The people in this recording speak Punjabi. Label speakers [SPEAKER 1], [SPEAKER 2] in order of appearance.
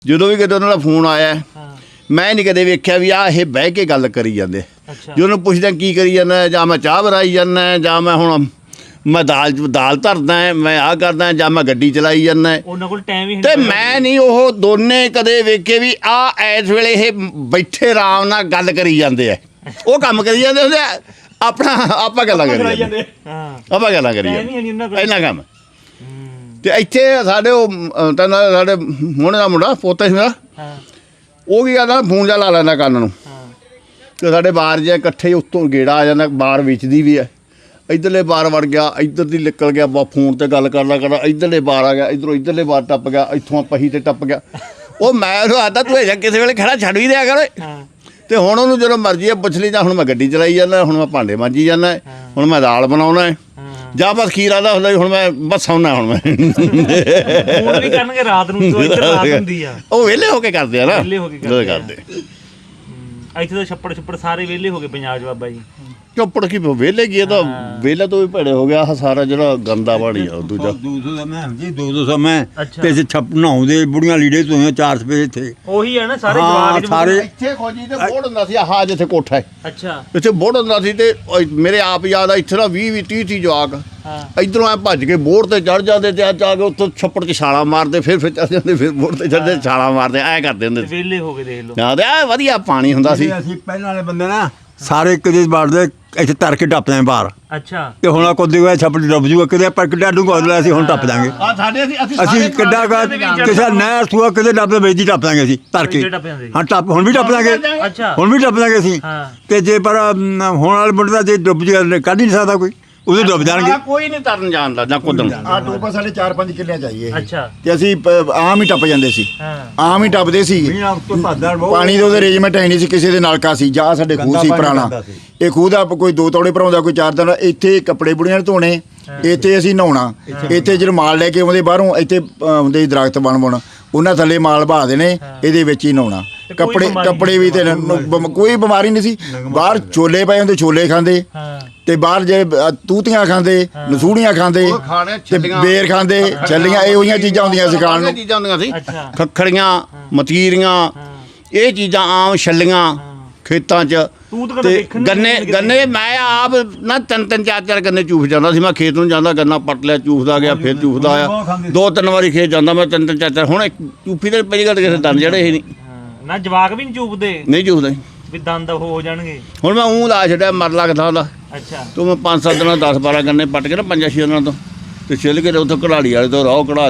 [SPEAKER 1] ਜਦੋਂ ਵੀ ਕਿਤੇ ਉਹਨਾਂ ਦਾ ਫੋਨ ਆਇਆ ਮੈਂ ਨਹੀਂ ਕਦੇ ਵੇਖਿਆ ਵੀ ਆਹ ਇਹ ਬਹਿ ਕੇ ਗੱਲ ਕਰੀ ਜਾਂਦੇ। ਜੇ ਉਹਨੂੰ ਪੁੱਛਦਾ ਕੀ ਕਰੀ ਜਾਂਦਾ, ਜਾਂ ਮੈਂ ਚਾਹ ਬਣਾਈ ਜਾਂਦਾ, ਜਾਂ ਮੈਂ ਹੁਣ ਮੈਂ ਦਾਲ ਧਰਦਾ, ਮੈਂ ਆਹ ਕਰਦਾ, ਜਾਂ ਮੈਂ ਗੱਡੀ ਚਲਾਈ ਜਾਂਦਾ।
[SPEAKER 2] ਉਹਨਾਂ ਕੋਲ ਟਾਈਮ ਹੀ
[SPEAKER 1] ਤੇ ਮੈਂ ਨਹੀਂ ਉਹ ਦੋਨੇ ਕਦੇ ਵੇਖੇ ਵੀ ਆਹ ਇਸ ਵੇਲੇ ਇਹ ਬੈਠੇ ਆਰਾਮ ਨਾਲ ਗੱਲ ਕਰੀ ਜਾਂਦੇ ਆ। ਉਹ ਕੰਮ ਕਰੀ ਜਾਂਦੇ ਹੁੰਦੇ ਆਪਣਾ ਆਪਾਂ ਗੱਲਾਂ ਕਰੀ ਜਾਂਦੇ, ਆਪਾਂ ਗੱਲਾਂ ਕਰੀ ਜਾਂਦੇ ਇੰਨਾ ਕੰਮ। ਤੇ ਇੱਥੇ ਸਾਡੇ ਉਹ ਸਾਡੇ ਹੁਣ ਦਾ ਮੁੰਡਾ ਪੋਤਾ ਸੀ ਮੇਰਾ, ਉਹ ਕੀ ਕਰਦਾ ਫੋਨ ਜਾ ਲਾ ਲੈਂਦਾ ਕੰਨ ਨੂੰ, ਤੇ ਸਾਡੇ ਬਾਹਰ ਜੇ ਇਕੱਠੇ ਉੱਤੋਂ ਗੇੜਾ ਆ ਜਾਂਦਾ। ਬਾਹਰ ਵੇਚਦੀ ਵੀ ਹੈ, ਇੱਧਰਲੇ ਬਾਹਰ ਵੜ ਗਿਆ, ਇੱਧਰ ਦੀ ਨਿਕਲ ਗਿਆ, ਫੋਨ ਤੇ ਗੱਲ ਕਰਦਾ ਇੱਧਰਲੇ ਬਾਹਰ ਆ ਗਿਆ, ਇੱਧਰੋਂ ਇੱਧਰਲੇ ਬਾਹਰ ਟੱਪ ਗਿਆ, ਇੱਥੋਂ ਪਹੀ ਤੇ ਟੱਪ ਗਿਆ। ਉਹ ਮੈਂ ਉਹਨੂੰ ਆਦਾ ਤੂੰ ਇਹ ਕਿਸੇ ਵੇਲੇ ਖੜਾ ਛੱਡ ਵੀ ਦਿਆ ਕਰ। ਤੇ ਹੁਣ ਉਹਨੂੰ ਜਦੋਂ ਮਰਜ਼ੀ ਪੁੱਛ ਲਈ, ਜਾਂ ਹੁਣ ਮੈਂ ਗੱਡੀ ਚਲਾਈ ਜਾਂਦਾ, ਹੁਣ ਮੈਂ ਭਾਂਡੇ ਮਾਂਜੀ ਜਾਂਦਾ, ਹੁਣ ਮੈਂ ਦਾਲ ਬਣਾਉਣਾ, ਜਾਂ ਬਸ ਖੀਰ ਆਦਾ ਹੁੰਦਾ ਹੁਣ ਮੈਂ ਬਸ ਸੌਣਾ। ਹੁਣ ਮੈਂ
[SPEAKER 2] ਫੋਨ ਵੀ ਕਰਨਗੇ ਰਾਤ ਨੂੰ, ਰਾਤ ਹੁੰਦੀ ਆ, ਉਹ
[SPEAKER 1] ਵਿਹਲੇ ਹੋ ਕੇ ਕਰਦੇ ਆ ਨਾ,
[SPEAKER 2] ਵਿਹਲੇ ਹੋ ਕੇ ਕਰਦੇ। ਇੱਥੇ ਤਾਂ ਛੱਪੜ ਸਾਰੇ ਵਿਹਲੇ ਹੋ ਗਏ ਪੰਜਾਬ 'ਚ ਬਾਬਾ ਜੀ।
[SPEAKER 1] ਚੋਪੜ ਕੀ ਵਿਹਲੇ ਕੀ, ਤਾਂ ਵਿਹਲੇ ਤੋਂ ਵੀ ਭੜੇ ਹੋ ਗਿਆ ਸਾਰਾ ਜਿਹੜਾ ਗੰਦਾ ਪਾਣੀ ਆ। ਦੂਜਾ
[SPEAKER 3] 200 ਦਾ ਮੈਂ ਜੀ 200 ਮੈਂ ਤੇ ਛੱਪ ਨਹਾਉਂਦੇ ਬੁੜੀਆਂ ਲੀੜੇ ਧੋਈਆਂ 4 ਰੁਪਏ ਇੱਥੇ।
[SPEAKER 2] ਉਹੀ ਹੈ ਨਾ ਸਾਰੇ ਜਵਾਕ
[SPEAKER 3] ਸਾਰੇ
[SPEAKER 1] ਇੱਥੇ ਖੋਜੀ ਤੇ ਬੋੜ ਹੁੰਦਾ ਸੀ। ਆਹ ਜਿੱਥੇ ਕੋਠਾ ਹੈ,
[SPEAKER 2] ਅੱਛਾ,
[SPEAKER 1] ਇੱਥੇ ਬੋੜ ਹੁੰਦਾ ਸੀ। ਤੇ ਮੇਰੇ ਆਪ ਯਾਦ ਆ ਇੱਥੇ ਨਾ 20-30 ਜਵਾਕ ਇੱਧਰੋਂ ਐ ਭੱਜ ਕੇ ਬੋੜ ਤੇ ਚੜ ਜਾਂਦੇ, ਤੇ ਆ ਕੇ ਉੱਥੋਂ ਛੱਪੜ 'ਚ ਛਾਲਾਂ ਮਾਰਦੇ, ਫਿਰ ਚੜ ਜਾਂਦੇ, ਫਿਰ ਬੋੜ ਤੇ ਚੜਦੇ ਛਾਲਾਂ ਮਾਰਦੇ, ਐ ਕਰਦੇ ਹੁੰਦੇ ਸੀ।
[SPEAKER 2] ਵਿਹਲੇ ਹੋ ਕੇ ਦੇਖ ਲਓ।
[SPEAKER 1] ਹਾਂ, ਤੇ ਐ ਵਧੀਆ ਪਾਣੀ ਹੁੰਦਾ ਸੀ।
[SPEAKER 3] ਅਸੀਂ ਪਹਿਲਾਂ ਵਾਲੇ ਬੰਦੇ ਨਾ ਸਾਰੇ ਕਿਤੇ ਵੜਦੇ, ਇੱਥੇ ਤਰ ਕੇ ਟੱਪਦੇ ਆ ਬਾਹਰ।
[SPEAKER 2] ਅੱਛਾ, ਤੇ
[SPEAKER 3] ਹੁਣ ਕੋਦੀ ਹੋਇਆ ਛੱਪੜ ਡੁੱਬ ਜੂਗਾ ਕਿਤੇ, ਪਰ ਕਿੱਡਾ ਡੂੰਘਾ ਹੋਇਆ ਅਸੀਂ ਹੁਣ ਟੱਪ ਦਾਂਗੇ। ਅਸੀਂ ਕਿੱਡਾ ਕਿਸੇ ਨਹਿਰ ਸੂਆ ਕਿਤੇ ਡੱਬਦੇ ਵੇਚਦੀ ਟੱਪ ਦਾਂਗੇ ਅਸੀਂ ਤਰ ਕੇ। ਹਾਂ ਟੱਪ ਹੁਣ ਵੀ ਟੱਪ ਦਾਂਗੇ, ਹੁਣ ਵੀ ਟੱਪ ਦਾਂਗੇ ਅਸੀਂ। ਤੇ ਜੇ ਪਰ ਹੁਣ ਵਾਲੇ ਮੁੰਡੇ ਦਾ ਜੇ ਡੁੱਬ ਜੂਗਾ ਕੱਢ ਹੀ ਨਹੀਂ ਸਕਦਾ ਕੋਈ, ਉਦੋਂ ਡੁੱਬ ਜਾਣਗੇ।
[SPEAKER 1] ਕੋਈ ਨਹੀਂ ਤਰਨ ਜਾਣਦਾ ਜਾਂ ਕੁੱਦਣ।
[SPEAKER 4] ਆ ਟੋਪਾ ਸਾਡੇ 4-5 ਕਿੱਲਿਆਂ ਚਾਹੀਏ।
[SPEAKER 2] ਅੱਛਾ,
[SPEAKER 4] ਤੇ ਅਸੀਂ ਆਮ ਹੀ ਟੱਪ ਜਾਂਦੇ ਸੀ, ਆਮ ਹੀ ਟੱਪਦੇ ਸੀ। ਪਾਣੀ ਦੇ ਉਹਦੇ ਅਰੇਂਜਮੈਂਟ ਹੈ ਨਹੀਂ ਸੀ, ਕਿਸੇ ਦੇ ਨਲਕਾ ਸੀ ਜਾਂ ਸਾਡੇ ਖੂਹ ਸੀ ਪੁਰਾਣਾ। ਇਹ ਖੂਹ ਦਾ ਕੋਈ 2 ਤੋੜੇ ਭਰਾਉਂਦਾ, ਕੋਈ 4 ਦਿਨ। ਇੱਥੇ ਕੱਪੜੇ ਬੁੜੀਆਂ ਨੇ ਧੋਣੇ, ਇੱਥੇ ਅਸੀਂ ਨਹਾਉਣਾ। ਇੱਥੇ ਜਦੋਂ ਮਾਲ ਲੈ ਕੇ ਆਉਂਦੇ ਬਾਹਰੋਂ, ਇੱਥੇ ਆਉਂਦੇ ਦਰਖਤ ਬਣ ਉਹਨਾਂ ਥੱਲੇ ਮਾਲ ਬਹਾ ਦੇਣੇ, ਇਹਦੇ ਵਿੱਚ ਹੀ ਨਹਾਉਣਾ। ਕੱਪੜੇ ਵੀ ਤੇ ਕੋਈ ਬਿਮਾਰੀ ਨਹੀਂ ਸੀ। ਬਾਹਰ ਛੋਲੇ ਪਏ ਹੁੰਦੇ, ਛੋਲੇ ਖਾਂਦੇ, ਤੇ ਬਾਹਰ ਜੇ ਤੂਤੀਆਂ ਖਾਂਦੇ, ਨਸੂੜੀਆਂ ਖਾਂਦੇ, ਤੇ ਬੇਰ ਖਾਂਦੇ, ਛੱਲੀਆਂ, ਇਹੋ ਜਿਹੀਆਂ ਚੀਜ਼ਾਂ ਹੁੰਦੀਆਂ ਸੀ ਖਾਣ ਨੂੰ।
[SPEAKER 1] ਚੀਜ਼ਾਂ ਹੁੰਦੀਆਂ ਸੀ, ਖੱਖੜੀਆਂ, ਮਤੀਰੀਆਂ, ਇਹ ਚੀਜ਼ਾਂ ਆਮ, ਛੱਲੀਆਂ ਖੇਤਾਂ 'ਚ। ਤੇ ਗੰਨੇ ਮੈਂ ਆਪ ਨਾ 3-3 4-4 ਗੰਨੇ ਚੂਫ ਜਾਂਦਾ ਸੀ। ਮੈਂ ਖੇਤ ਨੂੰ ਜਾਂਦਾ, ਗੰਨਾ ਪੱਟ ਲਿਆ, ਚੂਫਦਾ ਗਿਆ, ਫਿਰ ਚੂਫਦਾ ਆਇਆ। 2-3 ਵਾਰੀ ਖੇਤ ਜਾਂਦਾ ਮੈਂ, 3-3 4-4। ਹੁਣ ਚੂਫੀ ਤੇ ਪਹਿਲੀ ਗੱਲ ਕਿਸੇ ਦੰਦ ਜਿਹੜੇ ਇਹ ਨਹੀਂ
[SPEAKER 2] ਨਾ, ਜਵਾਕ ਵੀ ਨਹੀਂ ਚੂਪਦੇ,
[SPEAKER 1] ਨਹੀਂ ਚੂਫਦੇ
[SPEAKER 2] ਵੀ ਦੰਦ ਹੋ ਜਾਣਗੇ।
[SPEAKER 1] ਹੁਣ ਮੈਂ ਲਾ ਛੱਡਿਆ, ਮਰ ਲੱਗਦਾ ਉਹਦਾ।
[SPEAKER 2] ਅੱਛਾ,
[SPEAKER 1] ਤੂੰ ਮੈਂ 5-7 ਦਿਨਾਂ 10-12 ਗੰਨੇ ਪੱਟ ਕੇ ਨਾ 5-6 ਦਿਨਾਂ ਤੋਂ, ਤੇ ਛਿੱਲ ਕੇ ਉੱਥੇ ਕਢਾੜੀ ਵਾਲੇ ਤੋਂ ਰਾਹ ਕਢਾ